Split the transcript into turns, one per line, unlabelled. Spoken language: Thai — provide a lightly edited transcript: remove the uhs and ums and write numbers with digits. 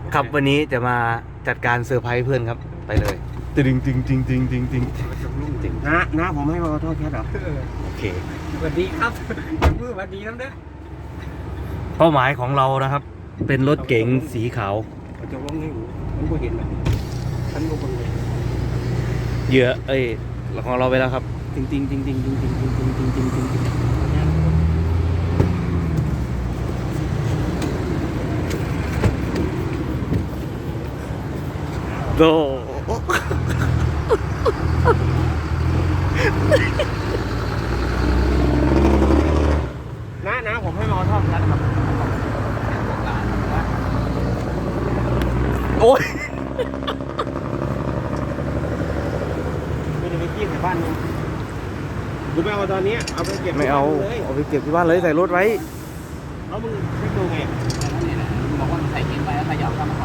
ครับวันนี้จะมาจัดการเซอร์ไพรส์เพื่อนครับไปเลยตึงตึงตึงตึงตึงตึงตึง
น้าผมให้มาขอโทษแค่เหรอ
โอเค
สวัสดีครับยังมือสวัสดีน้ำเด้อ
เป้าหมายของเรานะครับ เป็นรถเก๋งสีขาว
จะลงให้หูมันก็เห็นแบบฉันก็บังเลย
เหยื่อของเราไปแล้วครับตึงตึงตึงตึงตึงตึงตึงตึงตึงตึงตึงตึงโด
น้าผมให้มาขอโทษแค่ครับ
โอ้ย
ไม่ได้ไปขี้ใส่บ้านมึงกูไม่เอาตอนนี้เอาไปเก็บ
ไม่เอา
เลย
เอาไปเก็บที่บ้านเลยใส่รถไว้
แล้วมึงไม่ดูไง
บอกว่าใส่กินไปแล้วขยับเข้ามา